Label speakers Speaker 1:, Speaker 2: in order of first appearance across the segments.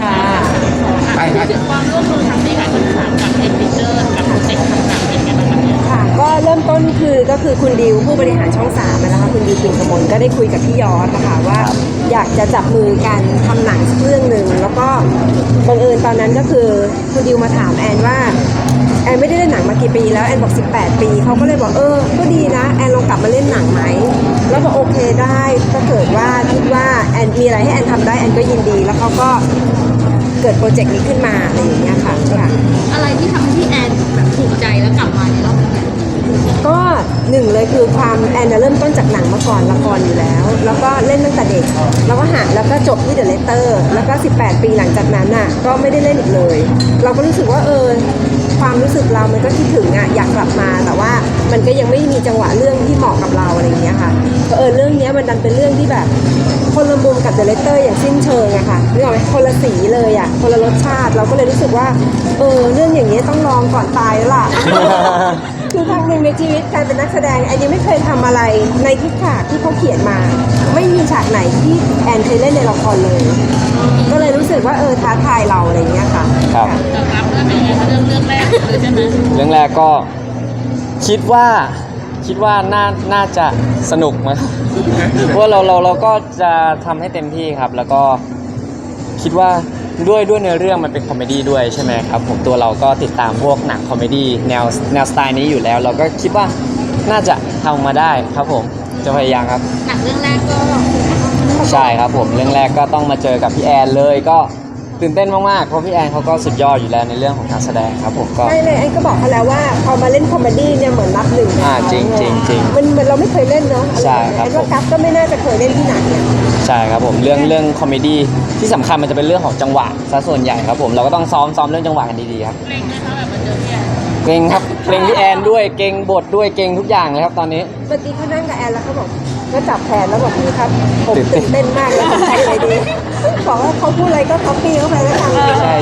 Speaker 1: ค่ะ
Speaker 2: ไปครับ
Speaker 3: ความร่วมมือทางในการสื่อสารกับเอ็นดิเตอร์กับโปรเจกต์ต่างๆเป็นไงบ้างคะเนี่ย
Speaker 1: ค่ะก็เริ่มต้นก็คือคุณดิวผู้บริหารช่อง3นะคะคุณดิวปิ่นกมลก็ได้คุยกับพี่ยอดนะคะว่าอยากจะจับมือกันทำหนังสักเรื่องหนึ่งแล้วก็บังเอิญตอนนั้นก็คือคุณดิวมาถามแอนว่าแอนไม่ได้เล่นหนังมากี่ปีแล้วแอนบอก18 ปีเขาก็เลยบอกก็ดีนะแอนลองกลับมาเล่นหนังไหมแล้วบอกโอเคได้ถ้าเกิดว่าคิดว่าแอนมีอะไรให้แอนทำได้แอนก็ยินดีแล้วเขาก็เกิดโปรเจกต์นี้ขึ้นมาอะไรอย่างเงี้ยค่ะ
Speaker 3: อะไรที่ทำให้พี่แอนแบบถูกใจแล้วกลับมาในรอบนี้
Speaker 1: ก็หนึ่งเลยคือความแอนเริ่มต้นจากหนังมาก่อนละครอยู่แล้วแล้วก็เล่นตั้งแต่เด็กแล้วก็แล้วก็จบที่เดอะเลตเตอร์แล้วก็18 ปีหลังจากนั้นน่ะก็ไม่ได้เล่นอีกเลยเราก็รู้สึกว่าความรู้สึกเรามันก็คิดถึงอยากกลับมาแต่ว่ามันก็ยังไม่มีจังหวะเรื่องที่เหมาะกับเราอะไรอย่างเงี้ยค่ะก็เรื่องนี้มันดันเป็นเรื่องที่แบบคนละมุมกับเดอะเลตเตอร์อย่างสิ้นเชิงอะค่ะนึกออกไหมคนละสีเลยอะคนละรสชาติเราก็เลยรู้สึกว่าเรื่องอย่างนี้ต้องลองก่อนตายแล้วล่ะ คือครั้งหนึ่งในชีวิตการเป็นนักแสดงแอนยังไม่เคยทำอะไรในทุกฉากที่เขาเขียนมา ไม่มีฉากไหนที่แอนเคยเล่นในละครเลย ก็เลยรู้สึกว่าท้าทายเราอะไรอย่างเงี้ยค่ะ
Speaker 4: ครับ
Speaker 3: ตอบรับเรื่องเป็นไงคะเรื่องแรกเลยใช่ไหม
Speaker 4: เรื่องแรกก็คิดว่าน่าจะสนุกมั้ยเพราะว่าเราก็จะทำให้เต็มที่ครับ แล้วก็คิดว่าด้วยเนื้อเรื่องมันเป็นคอมเมดี้ด้วยใช่ไหมครับผมตัวเราก็ติดตามพวกหนังคอมเมดี้แนวสไตล์นี้อยู่แล้ว เราก็คิดว่าน่าจะทำมาได้ครับผมจะพยายามครับ
Speaker 3: หนังเรื่องแรกก็
Speaker 4: ใช่ครับผมเรื่องแรกก็ต้องมาเจอกับพี่แอนเลยก็ตื่นเต้นมากๆเพราะพี่แอนเขาก็สุดยอดอยู่แล้วในเรื่องของการแสดงครับผมก็
Speaker 1: ไม่เลยแอนก็บอกเขาแล้วว่าพอมาเล่นคอมเมดี้เนี่ยเหมือนนับหนึ่ง
Speaker 4: จริง
Speaker 1: มันเราไม่เคยเล่นเนาะ
Speaker 4: ใช่ครับ
Speaker 1: แอนว่ากัฟก็ไม่น่าจะเคยเล่นที่ไหนเนี่ย
Speaker 4: ใช่ครับผมเรื่องคอมเมดี้ที่สำคัญมันจะเป็นเรื่องของจังหวะซะส่วนใหญ่ครับผมเราก็ต้องซ้อมเรื่องจังหวะกันดีๆครับ
Speaker 3: เกรงนะคะแบบมาเจอพี่แอน
Speaker 4: เก่งครับเก่งพี่แอนด้วยเก่งบทด้วยเก่งทุกอย่างเลยครับตอนนี้
Speaker 1: เมื่อกี้เขานั่งกับแอนแล้วเขาบอกก็จับแขนแล้วบอกพี่ครับผมตื่นเต้นมากแล้วผมทำอะไรดีบอกว่าเขาพูดอะไรก็คัปปี้เข้าไปแล้วทำ
Speaker 4: ใช่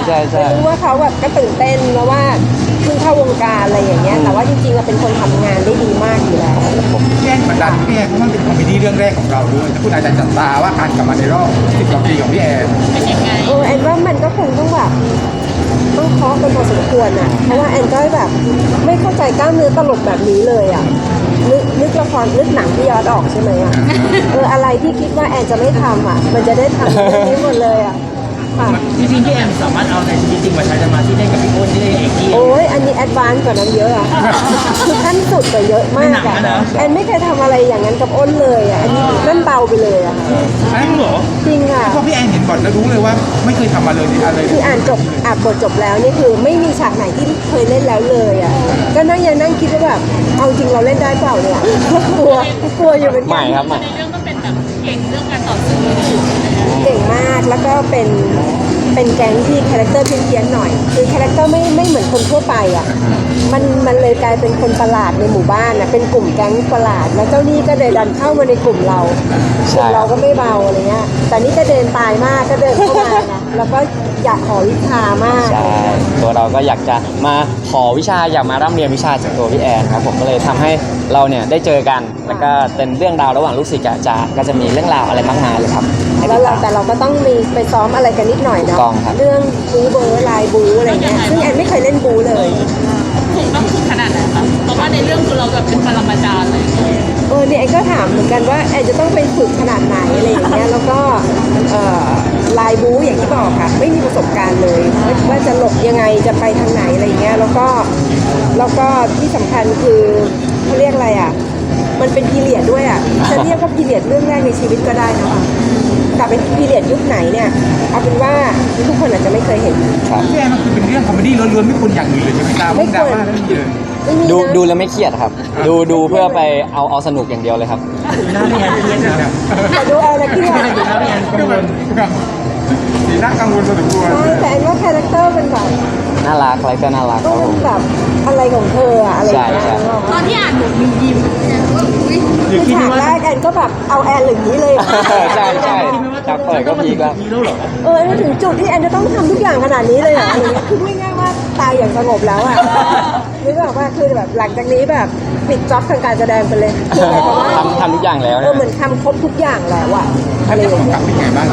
Speaker 1: รู้ว่าเขาแบบก็ตื่นเต้นแล้วว่าเพิ่งเข้าวงการอะไรอย่างเงี้ยแต่ว่าจริงๆเราเป็นคนทำงานได้ดีมากอยู่แล้ว
Speaker 2: พี่แอนกดดันพี่แอนเพราะมันเป็นคอมเมดี้เรื่องแรกของเราด้วยถ้าคุณอาจจะจับตาว่าการกลับมาในรอบ10 กว่าปีของพี่แอน
Speaker 3: เป็นยังไง
Speaker 1: แอนว่ามันก็คงต้องแบบต้องเคาะกันพอสมควรอ่ะเพราะว่าแอนก็แบบไม่เข้าใจกล้ามเนื้อตลกแบบนี้เลยอ่ะนึกละครนึกหนังที่ยอดออกใช่ไหมอ่ะอะไรที่คิดว่าแอนจะไม่ทำอ่ะมันจะได้ทำเรื่องนี้หมดเลยอ่ะค่ะ
Speaker 5: จริงๆพี่แอมสามารถเอาในชีวิตจริงมาใช้จะมาที่ได้กับพี่อ้นที่ได้เอกกี้
Speaker 1: โอ้ยอันนี้แอดวานซ์กว่านั้นเยอะอ่ะคือขั้นสุดกว่าเยอะมากอ่ะแอนไม่เคยทำอะไรอย่างนั้นกับอ้นเลยอ่ะอันนี้นั่นเบาไปเลยอ่ะ
Speaker 2: อันนั้นเหรอ
Speaker 1: จริงอ่ะ
Speaker 2: เพราะพี่แอนเห็นบทแล้วรู้เลยว่าไม่เคยทำมาเลยอะไร
Speaker 1: คืออ่านบทจบแล้วนี่คือไม่มีฉากไหนที่เคยเล่นแล้วเลยอ่ะก็ยังนั่งคิดว่าแบบเอาจริงเราเล่นได้เปล่าเนี่ยกลัวอยู่เหมือน
Speaker 4: ให
Speaker 1: กั
Speaker 4: ม่
Speaker 1: น
Speaker 4: ครับใหม่
Speaker 3: ในเรื่องก็เป็นแบบเก่งเรื่องการต่อสู้อยู่เลยนะ
Speaker 1: เก่งมากแล้วก็เป็นแก๊งที่คาแรคเตอร์เพี้ยนๆหน่อยคือคาแรคเตอร์ไม่เหมือนคนทั่วไปอ่ะมันเลยกลายเป็นคนประหลาดในหมู่บ้านอ่ะเป็นกลุ่มแก๊งประหลาดแล้วเจ้านี่ก็เลยดันเข้ามาในกลุ่มเรา
Speaker 4: ใช่
Speaker 1: เราก็ไม่เบาอะไรเงี้ยแต่นี่ก็เดินตายมากก็เดินเข้ามานะแล้วก็อยากขอวิชามาก
Speaker 4: ใช่ตัวเราก็อยากจะมาขอวิชาอยากมาร่ำเรียนวิชาจากตัวพี่แอนครับผมก็เลยทำให้เราเนี่ยได้เจอกันแล้วก็เป็นเรื่องราวระหว่างลูกศิษย์กับอาจารย์ก็จะมีเรื่องราวอะไรมากมายเลยครับให้
Speaker 1: แล้ว
Speaker 4: ติด
Speaker 1: เรา
Speaker 4: ตาม
Speaker 1: แต่เราก็ต้องมีไปซ้อมอะไรกันนิดหน่อยเนาะ
Speaker 4: ถูกต้องครับ
Speaker 1: เรื่องบูเบอร์ลายบูอะไรเงี้ยซึ่งแอนไม่เคยเล่นบูเลย
Speaker 3: ถูกต้องคือขนาดไหนคะเพราะว่าในเรื่องคือเราแบบเป็นปรมาจารย์เลย
Speaker 1: เนี่ยแอนก็ถามเหมือนกันว่าแอนจะต้องไปฝึกขนาดไหนอะไรอย่างเงี้ยแล้วก็ลายบูอย่างที่บอกค่ะไม่มีประสบการณ์เลยว่าจะหลบยังไงจะไปทางไหนอะไรอย่างเงี้ยแล้วก็ที่สำคัญคือเขาเรียกอะไรอ่ะมันเป็นพีเรียดด้วยอ่ะจะเรียกว่าพีเรียดเรื่องแรกในชีวิตก็ได้นะคะแต่เป็นพีเรียดยุคไหนเนี่ยเอาเป็นว่าทุกคนอาจจะไม่เคยเห็น
Speaker 4: ครับ
Speaker 2: พี่แอนมันคือเป็นเรื่องคอมเมดี้ล้วนๆไม่ควรอย่างอื่นเลยใช่ไหมครับ
Speaker 1: ไม่ควร
Speaker 2: ดราม่าไม่มีเลย
Speaker 1: ไม่มี
Speaker 4: ดู
Speaker 1: นะ
Speaker 4: ดูแล้วไม่เครียดครับ ดูเพื่อไปเอาสนุกอย่างเดียวเลยครับ
Speaker 5: ดูหน้าพี่แอนเครียดนะครับ
Speaker 1: แต่ดูเอานะพี่ว่า
Speaker 5: ดูหน้าพี่แอนกังวล
Speaker 2: สีหน้ากังวลพอสมควร
Speaker 1: ใช่แต่แอนว่าคาแรคเตอร์มันแบบ
Speaker 4: น่ารักอะไรก็น่ารักค
Speaker 1: ต้อ
Speaker 4: รั
Speaker 1: ง
Speaker 4: บผม
Speaker 1: แบบอะไรของเธออะอะไรอย่างเงี้ย
Speaker 4: ใช่
Speaker 3: ตอนที่อ่านบทมียิ้มเนี่ยว่าอุ้ย
Speaker 1: คือฉากแรกแอนก็แบบเอาแอนหรือนี้เลยอะ
Speaker 4: ใช่จากเปิดก็พีคแล้ว
Speaker 5: พีคแล้วเหรอ
Speaker 1: แอนมาถึงจุดที่แอนจะต้องทำทุกอย่างขนาดนี้เลยเหรออะไรเงี้ยคือพูดง่ายๆว่าตายอย่างสงบแล้วอะนึกออกว่าคือแบบหลังจากนี้แบบปิดจ็อบทางการแสดงไปเลยคือหมายความว่า
Speaker 4: ทำทุกอย่างแล้ว
Speaker 1: เหมือนทำครบทุกอย่างแล้วอะอะไรอย่าง
Speaker 2: ก
Speaker 1: เงี้
Speaker 2: ลั
Speaker 1: ย
Speaker 2: บเป็นไงบ้างครับ
Speaker 4: ผ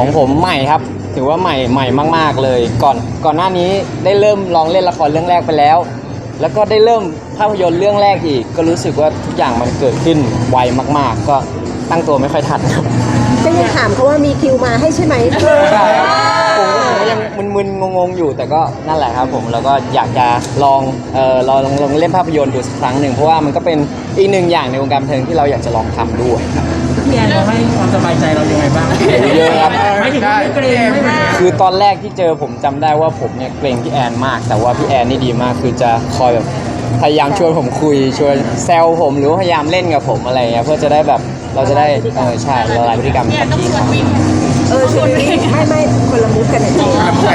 Speaker 4: ของผมใหม่ครับถือว่าใหม่มากๆเลยก่อนหน้านี้ได้เริ่มลองเล่นละครเรื่องแรกไปแล้ว แล้วก็ได้เริ่มภาพยนตร์เรื่องแรกอีกก็รู้สึกว่าทุกอย่างมันเกิดขึ้นไวมากๆ ก็ตั้งตัวไม่ค่อยทันครับ
Speaker 1: ก็ยังถามเขาว่ามีคิวมาให้ใช่ไหม
Speaker 4: ใช่ครับผมก็ยังมึนๆงงๆอยู่แต่ก็นั่นแหละครับผมแล้วก็อยากจะลองลองเล่นภาพยนตร์ดูสักครั้งหนึ่งเพราะว่ามันก็เป็นอีกหนึ่งอย่างในวงการบันเทิงที่เราอยากจะลองทำด้วยครับ
Speaker 5: พี่แอนเขาให้ความสบายใจเรายังไงบ้าง
Speaker 4: เยอะครับ
Speaker 5: ไม่ถึงไม่เกรงไม่
Speaker 4: คือตอนแรกที่เจอผมจำได้ว่าผมเนี่ยเกรงพี่แอนมาก แต่ว่าพี่แอนนี่ดีมากคือจะคอยแบบพยายามชวนผมคุยชวนแซวผมหรือว่าพยายามเล่นกับผมอะไรเงี้ยเพื่อจะได้แบบเราจะได้ใช่ละลายพฤติกรรม
Speaker 3: เนี่ย
Speaker 4: กับ
Speaker 3: ต้อง
Speaker 4: พี่
Speaker 3: ชวน
Speaker 4: เขา
Speaker 3: วิ่ง
Speaker 1: ชวนวิ่งไม่คนละมุกกันนะจริง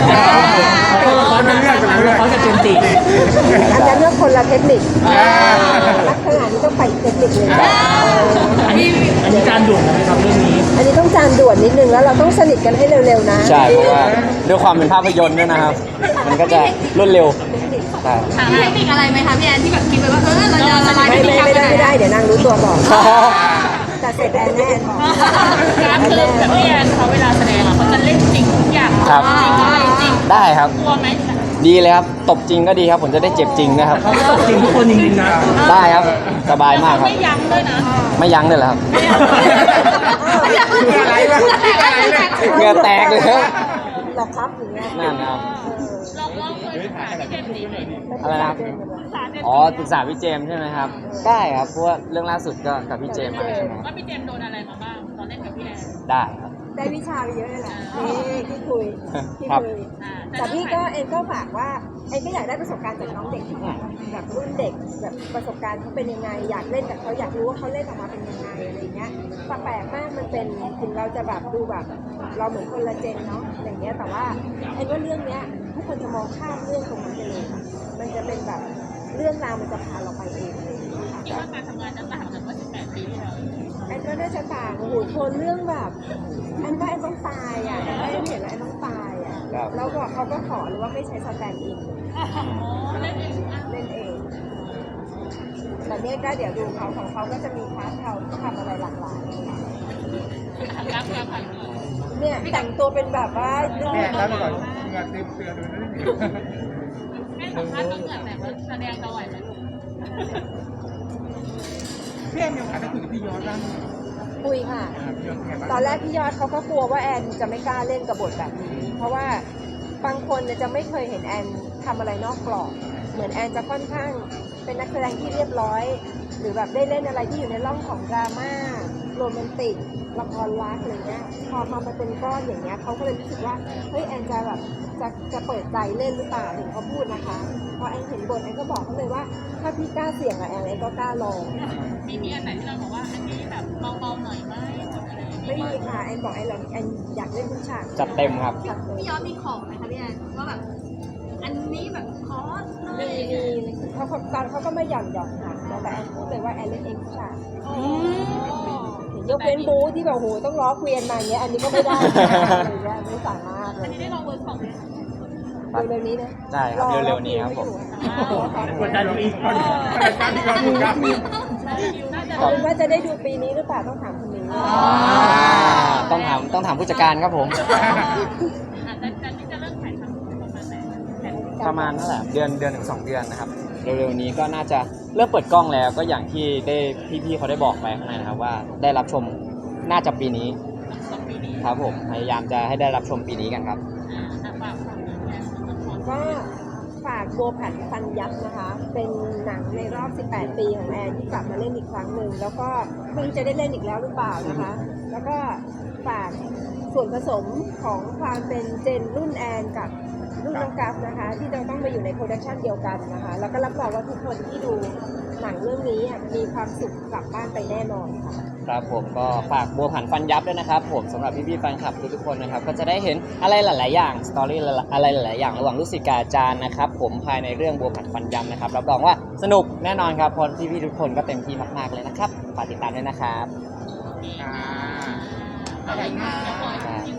Speaker 5: เขาจะเป็นติ
Speaker 1: อันนั้นเรื่องคนละเทคนิคลักษณะนี้ต้องไปอีกเทคนิคหนึง
Speaker 5: อันนี้การด่วนนะครับเรื่องนี้
Speaker 1: อันนี้ต้องจานด่วนนิดนึงแล้วเราต้องสนิทกันให้เร็วๆนะ
Speaker 4: ใช่เพราะว่าด้วยความเป็นภาพยนตร์ด้วยนะครับ มันก็จะรวดเร็วใช่
Speaker 3: มีเทคนิคอะไรไหมคะพี่แอนที่แบบคิดไว้ว่าเราจะละลายพฤติกรรม
Speaker 1: ไม่ได้เดี๋ยวนางรู้ตัวก่อนแต่เสร็จแอนแน่
Speaker 3: การคือแบบพี่แอนเขาเวลาแสดงเขาจะเล่นจริงทุกอย่าง
Speaker 4: ครับ
Speaker 3: จริงอะไรจริง
Speaker 4: ได้ครับ
Speaker 3: กลัวไหม
Speaker 4: ดีเลยครับตบจริงก็ดีครับผมจะได้เจ็บจริงนะครับ
Speaker 5: เขาตกจริงทุกคนจริงๆนะ
Speaker 4: ได้ครับสบายมากครับ
Speaker 3: ไม่ยั้งด้วยนะ
Speaker 4: ไม่ยั้งเลยเหรอครับ
Speaker 2: อะไรวะอะไรเนี่ย
Speaker 4: เหงื่อแตกเลยครับ
Speaker 1: หลอกครับอย่างเงี้ย
Speaker 4: นั่นนะครับ
Speaker 3: ลองเคยถามพี่เจมส์จีหน่อยดิ
Speaker 4: อะไรนะครับอ๋อปรึกษาพี่เจมส์ใช่ไหมครับได้ครับเพราะว่าเรื่องล่าสุดก็กับพี่เจมส์มาใช่ไหมครับ
Speaker 3: ว่าพี่เจมส์โดนอะไรมาบ้างตอนเล่นกับพี่แอน
Speaker 4: ได้ครับ
Speaker 1: ได้วิชาไปเยอะเลยแหละนี่ที่คุย
Speaker 4: ครับ
Speaker 1: แต่พี่ก็เอ็นก็ฝากว่าเอ็นก็อยากได้ประสบการณ์จากน้องเด็กที่แบบรุ่นเด็กแบบประสบการณ์เขาเป็นยังไงอยากเล่นกับเขาอยากรู้ว่าเขาเล่นออกมาเป็นยังไงอะไรเงี้ยแปลกมากมันเป็นถึงเราจะแบบดูแบบเราเหมือนคนละเจนเนาะอย่างเงี้ยแต่ว่าเอ็นว่าเรื่องเนี้ยทุกคนจะมองข้ามเรื่องตรงนั้นไปเลยค่ะมันจะเป็นแบบเรื่องราวมันจะพาเราไปเองเลยค่ะ
Speaker 3: คิดว่าการทำงานจะต่างจากเมื่อ18 ปีที่แล้ว
Speaker 1: แอนก็น่าจะต่างโอ้โหโทนเรื่องแบบแอนว่าแอนต้องตายอ่ะแอนว่าแอนเห็นแล้วแอนต้องตายอ่ะ
Speaker 4: ครับ
Speaker 1: แล้วบอกเขาก็ขอหรือว่าไม่ใช้สแตนด์อิน
Speaker 3: เล่นเองอ่ะ
Speaker 1: เล่นเองแต่เนี้ยก็เดี๋ยวดูเขาของเขาก็จะมีพาร์ทเขาที่ทำอะไรหลากหลาย
Speaker 3: รักการผ่านมือ
Speaker 1: เนี่ยแต่งตัวเป็นแบบว่าดู
Speaker 2: เนี่ยแล้วก่อนเงินเต็มเตือนดูนั่นนี่
Speaker 3: แม่สัมภาษณ์ก็เหงื่อแต่ว่าแสดงจะไหวไหมลูก
Speaker 2: พี่แอนมีโอกาสได้คุยกับพี่ยอดบ้างไหม
Speaker 1: คุยค่ะ
Speaker 2: พี่ยอดเป็นไงบ้าง
Speaker 1: ตอนแรกพี่ยอดเขาก็กลัวว่าแอนจะไม่กล้าเล่นกับบทแบบนี้ เพราะว่าบางคนเนี่ยจะไม่เคยเห็นแอนทำอะไรนอกกรอบ เหมือนแอนจะค่อนข้างเป็นนักแสดงที่เรียบร้อย หรือแบบได้เล่นอะไรที่อยู่ในร่องของดราม่าโรแมนติกละครรักอะไรเงี้ยพอมาเป็นก้อนอย่างเงี้ยเขาก็เลยรู้สึกว่าเฮ้ยแอนจะแบบจะเปิดใจเล่นหรือเปล่าถึงเขาพูดนะคะพอแอนเห็นบทแอนก็บอกเขาเลยว่าถ้าพี่กล้าเสี่ยงอะแอนก็กล้าลอง
Speaker 3: มีอันไหนที่เราบอกว่าอันนี้แบบเบาๆหน่อยไหมอะไรอย่าง
Speaker 1: ไม่
Speaker 3: เงี้ย
Speaker 1: มีค่ะแอนบอกแอนอยากเล่นทุกฉาก
Speaker 4: จัดเต็มครับ
Speaker 1: จัดเต็ม
Speaker 3: พี่ยอดมีของไหมคะพี่แอนว่าแบบอันนี้แบบคอสเล
Speaker 1: มี
Speaker 3: ย
Speaker 1: เขาตอนเขาก็ไม่หย่อนค่ะแต่แอนพูดเลยว่าแอนเล่นเองทุกฉากยกเว้นบูที่แบบโหต้องล้อเกวียนมาอย่างเงี้ยอันนี้ก็ไม่ได้อะไรเงี้ยไม่สามารถเล
Speaker 3: อัน
Speaker 1: ย
Speaker 3: นี้ได้ลองเวิร์กช็อปไหม
Speaker 1: เร็วๆนี้นะ
Speaker 4: ได้ครับเร็วๆนี้ครับผม
Speaker 5: กดดันเราอีก
Speaker 2: การที่เราดูครับ
Speaker 1: เอาเป็นว่าจะได้ดูปีนี้หรือเปล่าต้องถามคุณมิ้ง
Speaker 4: ต้องถามผู้จัดการครับผม
Speaker 3: อาจจะนี่จะเริ่มถ่ายทำประมาณไหน
Speaker 4: ประมาณนั่นแหละเดือนถึง2 เดือนนะครับเร็วๆนี้ก็น่าจะเริ่มเปิดกล้องแล้วก็อย่างที่ได้พี่ๆเขาได้บอกไปข้างในนะครับว่าได้รับชมน่าจะปีนี้
Speaker 3: 2 ปีนี้
Speaker 4: ครับผมพยายามจะให้ได้รับชมปีนี้กันครับ
Speaker 3: ฝากฝั่งนี้แอนละคร
Speaker 1: ก็ฝากบัวผันฟันยับนะคะ เป็นหนังในรอบ 18 ปีของแอนที่กลับมาเล่นอีกครั้งหนึ่งแล้วก็ไม่รู้จะได้เล่นอีกแล้วหรือเปล่านะคะ แล้วก็ฝากส่วนผสมของความเป็นเจนรุ่นแอนกับรุ่นน้องกัฟนะคะ ที่จะต้องมาอยู่ในโปรดักชันเดียวกันนะคะ แล้วก็รับรองว่าทุกคนที่ดูหนังเรื่องนี้มีความสุขกลับบ้านไปแน่นอนค่ะ
Speaker 4: ครับผมก็ฝากบัวผันฟันยับด้วยนะครับผมสำหรับพี่ๆแฟนคลับทุกๆคนนะครับก็จะได้เห็นอะไรหลาย ๆ อย่างสตอรี่อะไรหลาย ๆ อย่างระหว่างลูกศิษย์กับอาจารย์นะครับผมภายในเรื่องบัวผันฟันยับนะครับรับรองว่าสนุกแน่นอนครับเพราะพี่ๆทุกคนก็เต็มที่มากๆเลยนะครับฝากติดตามด้วยนะครับ
Speaker 2: อ่า
Speaker 3: อะไรนะเดี๋ยวขออีกที